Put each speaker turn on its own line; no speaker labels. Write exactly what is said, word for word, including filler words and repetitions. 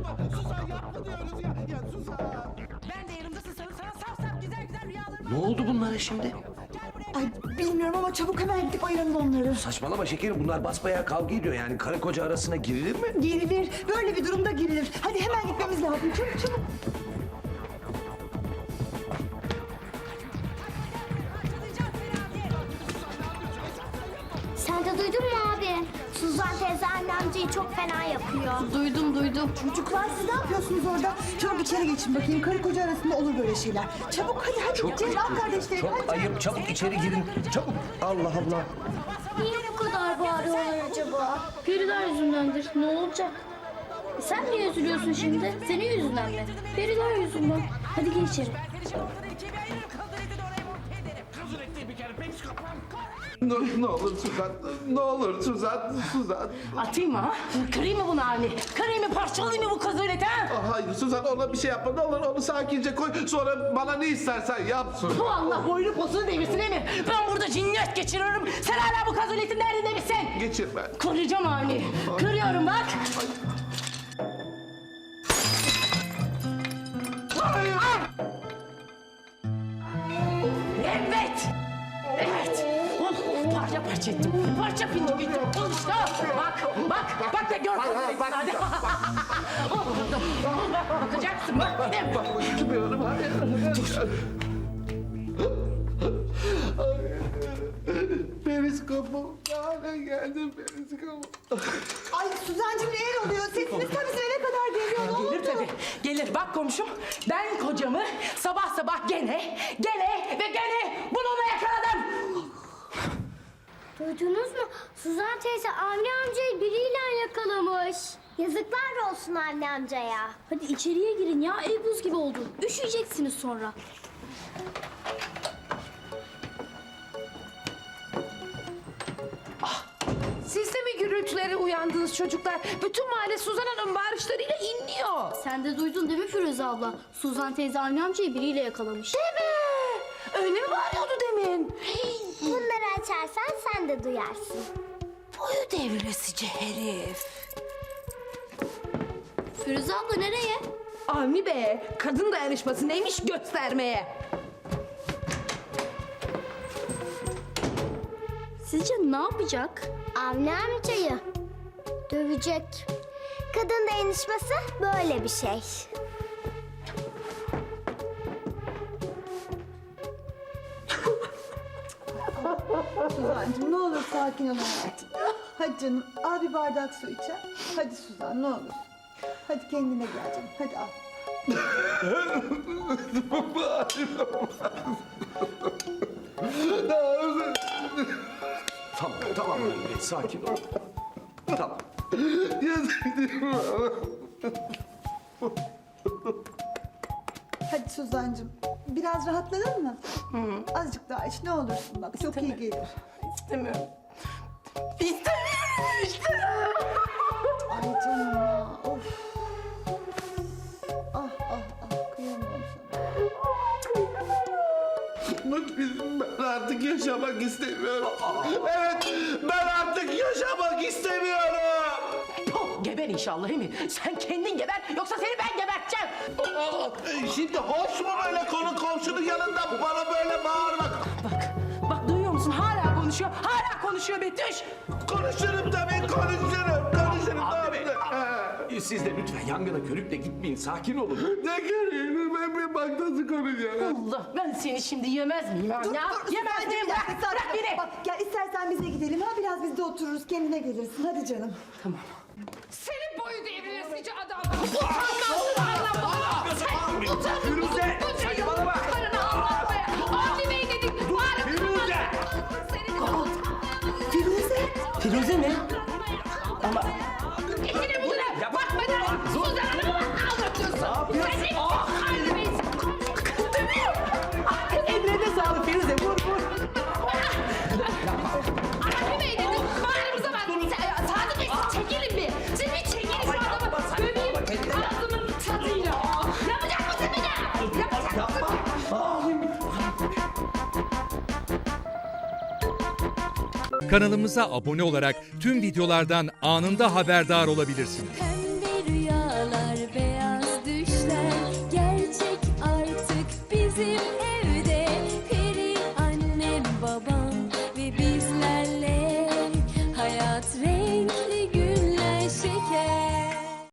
Suzan yapma diyoruz ya. Ya Suzan.
Ben de yanımdasın sana sana saf saf güzel güzel rüyalarım
Ne oldu bunlara şimdi?
Ay bilmiyorum ama çabuk hemen gidip ayıralım onları.
Saçmalama şekerim, bunlar basbayağı kavga ediyor yani. Karı koca arasına girilir mi?
Girilir. Böyle bir durumda girilir. Hadi hemen gitmemiz lazım. Çabuk çabuk.
Sen de duydun mu abi? Suzan teyze annemciyi çok fena yapıyor.
Duydum duydum.
Çocuklar siz ne yapıyorsunuz orada? Çabuk içeri geçin bakayım. Karı koca arasında olur böyle şeyler. Çabuk hadi hadi.
Çok
Ceylan
ayıp,
kardeşlerim.
çok
hadi.
ayıp. Çabuk içeri girin. Çabuk. Allah Allah.
Niye bu kadar bağırıyorlar acaba?
Periler yüzündendir. Ne olacak? E sen niye üzülüyorsun şimdi? Senin yüzünden mi? Periler yüzünden. Hadi gir içeri.
Ben seni şimdi ortadan ikiye bir ayırırım. Kıldır eti de oraya monte ederim.
Kızın ettiği bir kere pek kapam. Ne, ne olur Suzan. Ne olur Suzan. Suzan.
Atayım mı ha? Kırayım mı bunu Avni? Kırayım mı parçalayayım mı bu kazıleti ha?
Ah, hayır Suzan, ona bir şey yapma. Ne olur onu sakince koy. Sonra bana ne istersen yapsın.
Bu Allah boynu posunu devirsin değil mi? Ben burada cinnet geçiriyorum. Sen hala bu kazuletin derdinde misin?
Geçirme.
Kıracağım Avni. Kırıyorum bak.
Hayır.
Evet. Evet. Oh, parça parça ettim. Parça pinçik ettim. Al işte. Bak, bak, bak da gör.
bak,
Hadi. Oh, dur. Bakacaksın bak. Gidip.
Bakmıyorum. Hayır. Periskopu. Hale geldim periskopu.
Ay Suzancığım neler oluyor? Sesiniz tabii size ne kadar geliyor. Ne oldu?
Gelir tabii. Gelir. Bak komşum. Ben kocamı sabah sabah gene, gene ve gene bununla yakaladım.
Duydunuz mu? Suzan teyze Avni amcayı biriyle yakalamış. Yazıklar olsun Avni amcaya.
Hadi içeriye girin ya. Ev buz gibi oldu. Üşüyeceksiniz sonra.
Siz de mi gürültülere uyandınız çocuklar? Bütün mahalle Suzan Hanım bağırışlarıyla inliyor.
Sen de duydun değil mi Firuze abla? Suzan teyze Avni amcayı biriyle yakalamış.
Değil mi? Öyle mi bağırıyordu demin?
Bunları açarsan sen de duyarsın.
Boyu devresici herif.
Firuze abla nereye?
Avni be, kadın dayanışması neymiş göstermeye.
Sizce ne yapacak?
Avni amcayı dövecek. Kadın dayanışması böyle bir şey.
Suzancığım ne olur sakin ol hayatım. Hadi canım al bir bardak su içer. Hadi Suzan ne olur. Hadi kendine gel canım. Hadi al.
Tamam, tamam. Mehmet, sakin ol. Tamam.
Hadi Suzancığım biraz rahatladın mı? Azıcık daha iç ne olursun bak çok iyi gelir.
İstemiyorum. İstemiyorum işte.
Ay canım ya of. Ah ah ah kıyamam sana.
Ben artık yaşamak istemiyorum. Evet, ben artık yaşamak istemiyorum.
Puh, geber inşallah değil mi? Sen kendin geber yoksa seni ben geberteceğim.
Aa, Şimdi hoş mu böyle konu komşunun yanında bana böyle bağırmak?
Bak, bak duyuyor musun? Hala konuşuyor, hala konuşuyor Betüş.
Konuşurum tabii, konuşurum. Konuşurum
Abi,
tabii.
abi, siz de lütfen yangına körükle gitmeyin. Sakin olun.
Ne görüyorum ben bir bak nasıl konuşuyorum.
Allah ben seni şimdi yemez miyim ha?
Dur
ya?
dur
Yemez
Suzancığım,
miyim?
bir
Bırak,
dakika,
bırak
sakin ol.
beni.
Bak gel istersen bize gidelim ha biraz biz de otururuz kendine gelirsin hadi canım.
Tamam.
Senin boyu devresici adam. Utanmazsın anlamına. Sen utanmazsın.
Firuze, saçmalama.
Karını anlatmaya. Avni Bey dedik. Bağırıp
Firuze.
Firuze.
Firuze mi? Ama
İçine buluna. Bakmadan Suzan Hanım'ı anlatıyorsun. Sen ne Avni Bey'sin. Dövüyor.
ellerine sağlık Firuze. Vur vur.
Avni Bey dedik. Bağrımıza bak. Sa- Sadık Bey siz çekilin bir. Siz bir çekilin şu adamı. Döveyim. Ağzımın tadıyla. Yapacak mısın bir daha? Yapacak mısın?
Kanalımıza abone olarak tüm videolardan anında haberdar olabilirsiniz.